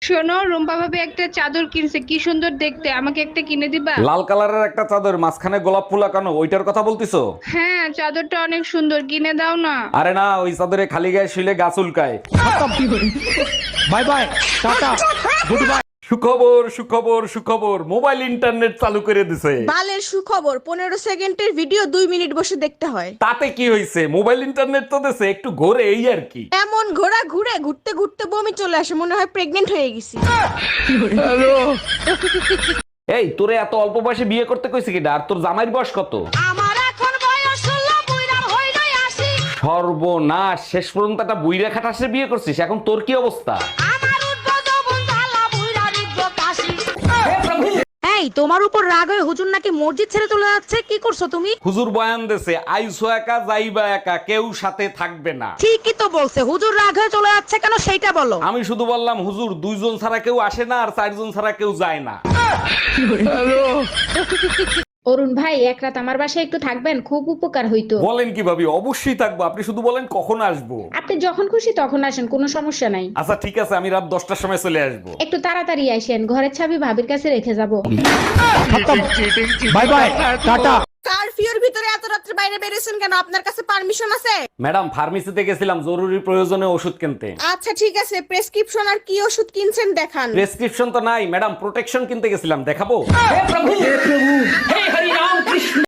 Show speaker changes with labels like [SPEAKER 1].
[SPEAKER 1] শোনো, রুম্পা ভাবি একটা চাদর কিনছে, কি সুন্দর দেখতে, আমাকে একটা কিনে দিবা?
[SPEAKER 2] লাল কালারের একটা চাদর, মাঝখানে গোলাপ ফুল আঁকানো, ওইটার কথা বলতিছো?
[SPEAKER 1] হ্যাঁ, চাদরটা অনেক সুন্দর, কিনে দাও না।
[SPEAKER 2] আরে না, ওই চাদরে খালি গায়ে শুলে গা চুলকায়।
[SPEAKER 3] Bye bye, tata, goodbye.
[SPEAKER 2] সুখবর সুখবর সুখবর, মোবাইল ইন্টারনেট চালু করে দিছে।
[SPEAKER 4] বালের সুখবর, 15 সেকেন্ডের ভিডিও 2 মিনিট বসে দেখতে হয়।
[SPEAKER 2] তাতে কি হয়েছে, মোবাইল ইন্টারনেট তো দিছে, একটু ঘোরে এই আর কি।
[SPEAKER 4] এমন ঘোড়া ঘুরে ঘুরতে ঘুরতে বমি চলে আসে, মনে হয় প্রেগনেন্ট হয়ে গেছি।
[SPEAKER 2] এই তোরে এত অল্প বয়সে বিয়ে করতে কইছে কিডা? আর তোর জামাইয়ের বয়স কত?
[SPEAKER 4] আমার এখন বয়স 16, বুইড়া হইলই আসি।
[SPEAKER 2] সর্বনাশ, শেষ পর্যন্ত একটা বুইরা খাটাসে বিয়ে করছিস, এখন তোর কি অবস্থা?
[SPEAKER 4] আমার উদ্বোধ বন্ধালা বুইড়া রিদ্দ কাশি। এই, তোমার উপর রাগ হয়ে হুজুর নাকি মসজিদ ছেড়ে চলে যাচ্ছে, কি করছো তুমি?
[SPEAKER 2] হুজুর বয়ান দেছে, আইসো একা যাইবা একা, কেউ সাথে থাকবে না।
[SPEAKER 4] ঠিকই তো বলছে, হুজুর রাগ হয়ে চলে যাচ্ছে কেন সেইটা বলো।
[SPEAKER 2] আমি শুধু বললাম হুজুর, 2 জন ছাড়া কেউ আসে না, আর 4 জন ছাড়া কেউ যায় না।
[SPEAKER 5] অরুণ ভাই, এক রাত আমার বাসায় একটু থাকবেন, খুব উপকার হইতো।
[SPEAKER 2] বলেন কি ভাবি, অবশ্যই থাকবো, আপনি শুধু বলেন কখন আসবো।
[SPEAKER 5] আপনি যখন খুশি তখন আসেন, কোনো সমস্যা নাই।
[SPEAKER 2] আচ্ছা ঠিক আছে, আমি রাত 10টার সময় চলে আসবো।
[SPEAKER 5] একটু তাড়াতাড়ি আসেন, ঘরের চাবি ভাবির কাছে রেখে যাব।
[SPEAKER 3] By bye, tata.
[SPEAKER 4] কারফিউর ভিতরে এত রাত্রে বাইরে বেরিয়েছেন কেন? আপনার কাছে পারমিশন আছে?
[SPEAKER 2] ম্যাডাম, ফার্মেসিতে গেছিলাম জরুরি প্রয়োজনে ওষুধ কিনতে।
[SPEAKER 4] আচ্ছা ঠিক আছে, প্রেসক্রিপশন আর কি ওষুধ কিনছেন দেখান।
[SPEAKER 2] প্রেসক্রিপশন তো নাই ম্যাডাম, প্রোটেকশন কিনতে গেছিলাম, দেখাবো?